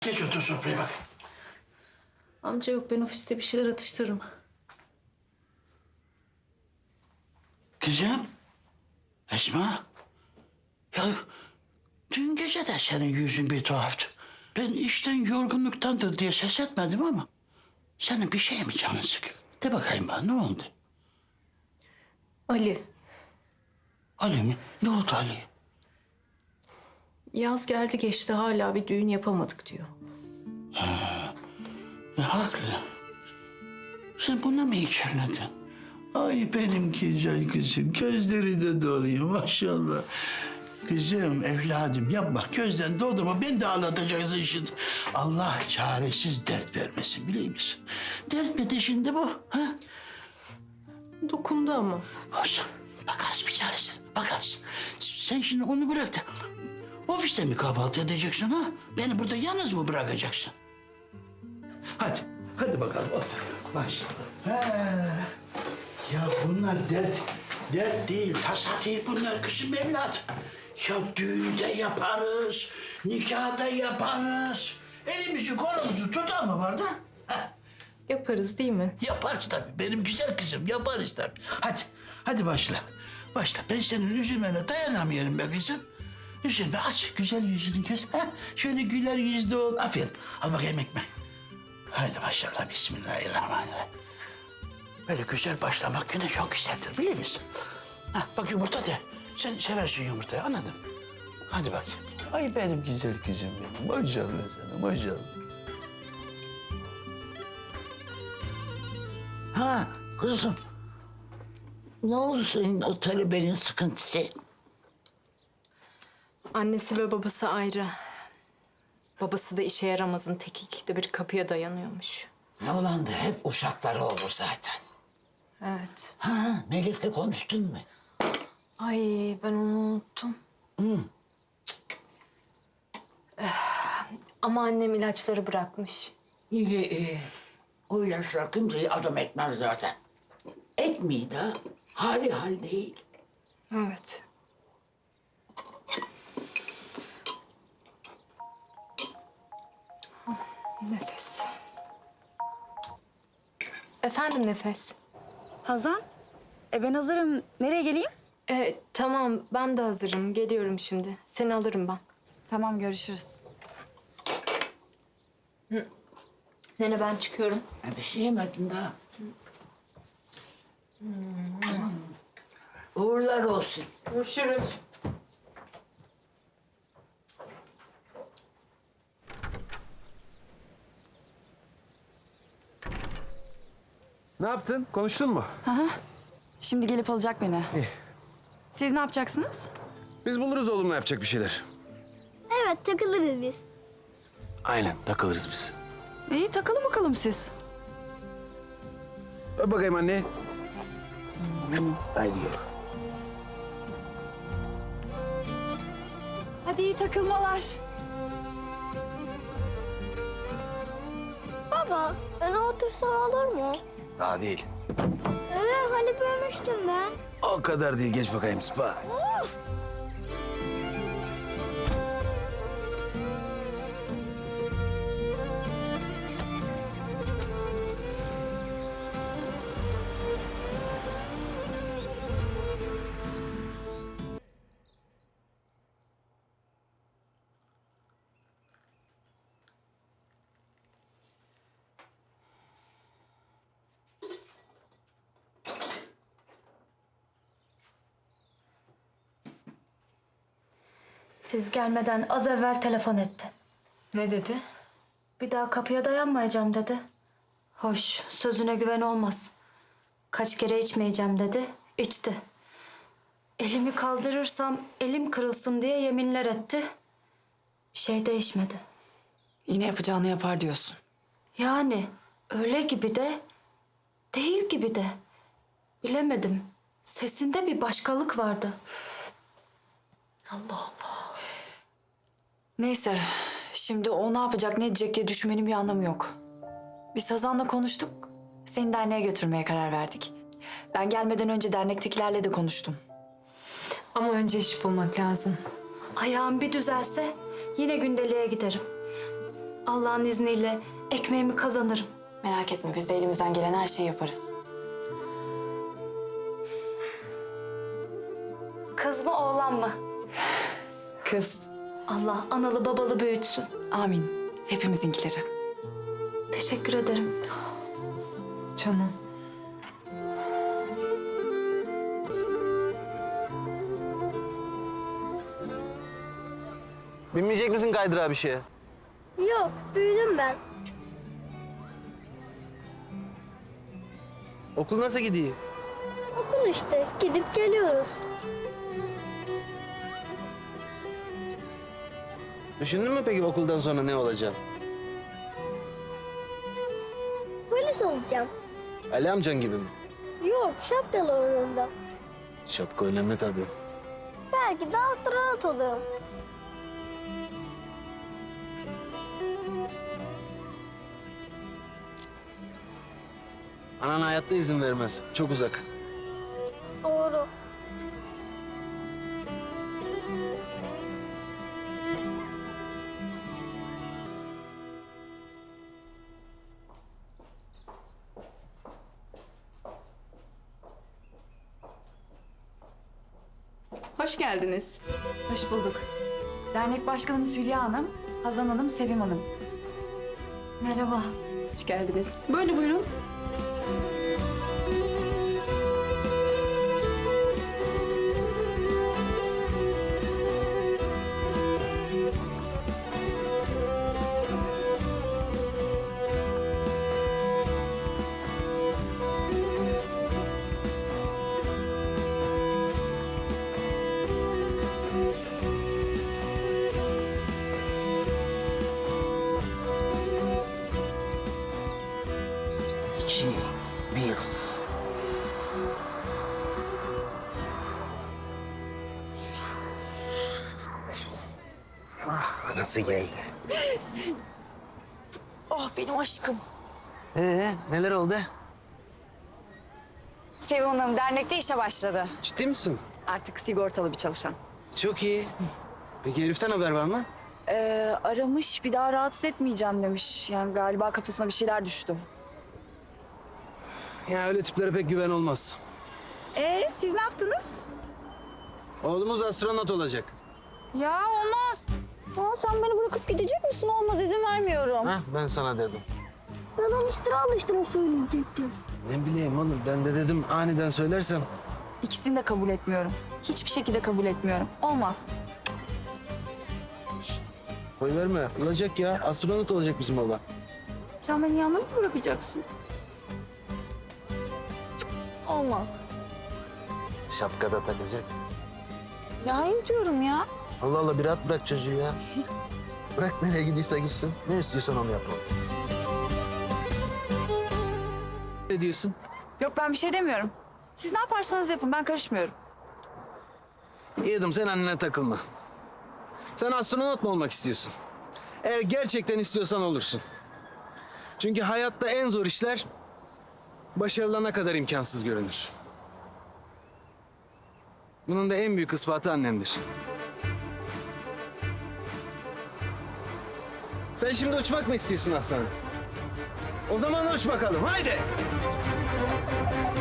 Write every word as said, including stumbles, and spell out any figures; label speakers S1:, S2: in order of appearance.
S1: Geç otur sofraya bak.
S2: Amca yok, ben ofiste bir şeyler atıştırırım.
S1: Kızım. Esma. Ya dün gece de senin yüzün bir tuhaftı. Ben işten yorgunluktandır diye ses etmedim ama... ...senin bir şey mi canın sıkıyor? De bakayım bana, ne oldu?
S2: Ali,
S1: Ali mi? Ne oldu Ali?
S2: yaz geldi geçti, hala bir düğün yapamadık diyor.
S1: E, haklı. Sen buna mı içerledin? Ay benim güzel kızım, gözleri de doluyor maşallah. Kızım, evladım yapma, gözden doldurma, beni de ağlatacaksın şimdi. Allah çaresiz dert vermesin, biliyor musun? Dert mi de şimdi bu, ha?
S2: Dokundu ama.
S1: Olsun, bakarız bir çaresine, bakarız. Sen şimdi onu bırak da... ...ofiste mi kahvaltı edeceksin ha? Beni burada yalnız mı bırakacaksın? Hadi, hadi bakalım otur. Başla. Ha. Ya bunlar dert, dert değil, tasa değil bunlar kızım evladım. Ya düğünü de yaparız, nikahı da yaparız. Elimizi kolumuzu tutan mı var da? Ha.
S2: Yaparız değil mi?
S1: Yaparız tabii, benim güzel kızım, yaparız tabii. Hadi, hadi başla. Başla, ben senin üzülmene dayanamıyorum be kızım. Üzülme, aç güzel yüzünü göz. Ha? Şöyle güler yüzlü ol, aferin. Al bakayım ekmek. Haydi maşallah, bismillahirrahmanirrahim. Böyle güzel başlamak güne çok güzeldir, biliyor musun? Ha, bak yumurta de. Sen seversin yumurtayı, anladın mı? Hadi bak. Ay benim güzel kızım benim. Maşallah sana, maşallah.
S3: Ha kızım. Ne oldu senin o talebenin sıkıntısı?
S2: Annesi ve babası ayrı. Babası da işe yaramazın tek, ikide bir kapıya dayanıyormuş.
S3: Ne olan da hep uşakları olur zaten.
S2: Evet.
S3: Ha Melek'le konuştun mu?
S2: Ay, ben onu unuttum.
S3: Hı.
S2: Eh, Ama annem ilaçları bırakmış.
S3: İyi iyi. O ilaçlar kimseyi adam etmez zaten. Etmeyi de hali hal değil.
S2: Evet. Nefes. Efendim Nefes.
S4: Hazan, e ben hazırım. Nereye geleyim?
S2: Ee, tamam, ben de hazırım. Geliyorum şimdi. Seni alırım ben.
S4: Tamam, görüşürüz.
S2: Nene, ben çıkıyorum.
S3: Ha, bir şey yemedim daha. Uğurlar olsun.
S2: Görüşürüz.
S5: Ne yaptın? Konuştun mu?
S4: Şimdi gelip alacak beni.
S5: İyi.
S4: Siz ne yapacaksınız?
S5: Biz buluruz oğlumla yapacak bir şeyler.
S6: Evet, takılırız biz.
S5: Aynen, takılırız biz.
S4: İyi, takılın bakalım siz.
S5: Öp bakayım anne. Haydi gel.
S4: Hadi iyi takılmalar.
S6: Baba, öne otursam olur mu?
S5: Daha değil.
S6: Evet, hani bölmüştüm ben.
S5: O kadar değil, geç bakayım spa.
S7: Siz gelmeden az evvel telefon etti.
S2: Ne dedi?
S7: Bir daha kapıya dayanmayacağım dedi. Hoş, sözüne güven olmaz. Kaç kere içmeyeceğim dedi, içti. Elimi kaldırırsam elim kırılsın diye yeminler etti. Bir şey değişmedi.
S4: Yine yapacağını yapar diyorsun.
S7: Yani öyle gibi de, değil gibi de. Bilemedim. Sesinde bir başkalık vardı. Allah Allah.
S4: Neyse, şimdi o ne yapacak, ne edecek diye düşünmenin bir anlamı yok. Biz Hazan'la konuştuk. Seni derneğe götürmeye karar verdik. Ben gelmeden önce dernektekilerle de konuştum.
S2: Ama önce iş bulmak lazım.
S7: Ayağım bir düzelse yine gündeliğe giderim. Allah'ın izniyle ekmeğimi kazanırım.
S4: Merak etme biz de elimizden gelen her şeyi yaparız.
S7: Kız mı oğlan mı?
S4: Kız.
S7: Allah analı babalı büyütsün.
S4: Amin. Hepimizinkileri.
S7: Teşekkür ederim.
S4: Canım.
S5: Binmeyecek misin kaydırağa bir şeye?
S6: Yok, büyüdüm ben.
S5: Okul nasıl gidiyor?
S6: Okul işte, gidip geliyoruz.
S5: Düşündün mü peki okuldan sonra ne olacak?
S6: Polis olacağım.
S5: Ali amcan gibi mi?
S6: Yok, şapkalı oyununda.
S5: Şapka önemli tabii.
S6: Belki de astronot olurum.
S5: Anan hayatta izin vermez. Çok uzak.
S6: Doğru.
S8: Hoş geldiniz.
S4: Hoş bulduk. Dernek başkanımız Hülya Hanım, Hazan Hanım, Sevim Hanım.
S7: Merhaba.
S8: Hoş geldiniz. Böyle buyurun.
S1: İki, bir.
S5: Nasıl geldi?
S4: Oh benim aşkım.
S5: Ee, neler oldu?
S4: Sevim Hanım dernekte işe başladı.
S5: Ciddi misin?
S4: Artık sigortalı bir çalışan.
S5: Çok iyi. Peki Elif'ten haber var mı?
S4: Ee, aramış bir daha rahatsız etmeyeceğim demiş. Yani galiba kafasına bir şeyler düştü.
S5: Ya öyle tiplere pek güven olmaz.
S4: Ee siz ne yaptınız?
S5: Oğlumuz astronot olacak.
S4: Ya olmaz.
S7: Aa, sen beni bırakıp gidecek misin? Olmaz, izin vermiyorum.
S5: Hah, ben sana dedim.
S6: Ben onu istira alıştıra söyleyecektim.
S5: Ne bileyim oğlum, ben de dedim aniden söylersem.
S4: İkisini de kabul etmiyorum. Hiçbir şekilde kabul etmiyorum. Olmaz.
S5: Koy verme, olacak ya. Astronot olacak bizim oğlan.
S4: Sen beni yalnız mı bırakacaksın? Olmaz.
S5: Şapka da takacak.
S4: Ya hayır diyorum ya.
S5: Allah Allah, bir rahat bırak çocuğu ya. Bırak nereye gidiyorsa gitsin. Ne istiyorsan onu yapalım. Ne diyorsun?
S4: Yok ben bir şey demiyorum. Siz ne yaparsanız yapın ben karışmıyorum.
S5: Yedim, sen annene takılma. Sen astronot mu olmak istiyorsun? Eğer gerçekten istiyorsan olursun. Çünkü hayatta en zor işler başarılana kadar imkansız görünür. Bunun da en büyük ispatı annendir. Sen şimdi uçmak mı istiyorsun aslanım? O zaman uç bakalım, haydi!